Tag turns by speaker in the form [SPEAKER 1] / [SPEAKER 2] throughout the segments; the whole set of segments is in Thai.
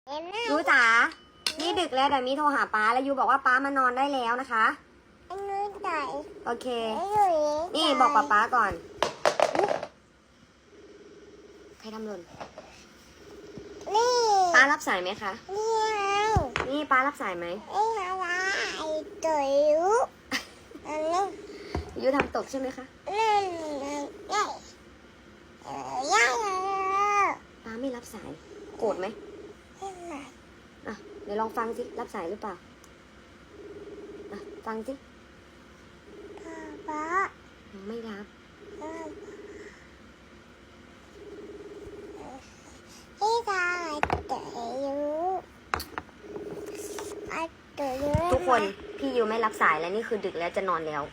[SPEAKER 1] ยูจ๋านี่ดึกแล้วเดี๋ยวมีโทรหาป้าแล้วยูบอกว่าป้ามานอนได้แล้วนะคะโอเคนี่บอกป้าก่อนใครทำหล่นป้ารับสายไหมคะนี่ป้ารับสายไหมยูทำตกใช่ไหมคะป้าไม่รับสายโกรธไหมอ่ะเดี๋ยวลองฟังสิรับสายหรือเปล่าอ่ะฟังสิไม่รับทุกคนพี่ยูไม่รับสายแล้วนี่คือดึกแล้วจะนอนแล้ว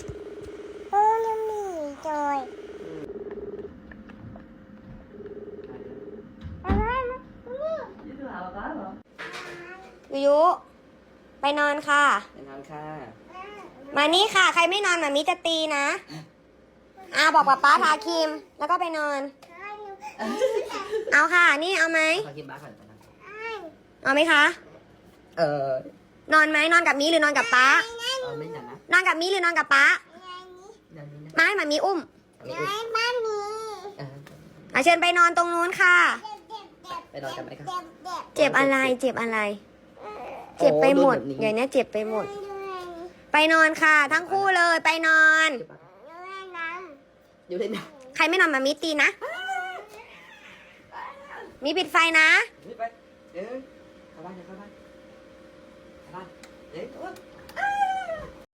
[SPEAKER 1] ยูไปนอนค่ะ
[SPEAKER 2] ไปนอนค่ะ
[SPEAKER 1] มานี่ค่ะใครไม่นอนมามิจะตีนะบอกป้าทาครีมแล้วก็ไปนอนเอาค่ะนี่เอาไหม
[SPEAKER 2] ขอกินบ้าก่อนนะ
[SPEAKER 1] เอาไหมคะนอนไหมนอนกับมิหรือนอนกับป้า
[SPEAKER 2] ไม่หนักนะ
[SPEAKER 1] นอนกับมิหรือนอนกับป้าไม่มามีอุ้มเชิญไปนอนตรงนู้นค่ะ
[SPEAKER 2] ไปนอนกันไหมครับ
[SPEAKER 1] เจ็บอะไรเจ็บอะไรเจ็บไปหมดอย่างนี้เจ็บไปหมดไปนอนค่ะทั้งคู่เลยไปนอน
[SPEAKER 2] อยู่เล่นนะ
[SPEAKER 1] ใครไม่นอนมามิตีนะมีปิดไฟนะ
[SPEAKER 2] ไปเข้าบ้านเข้าบ้านเข้าบ้านเดี๋ยว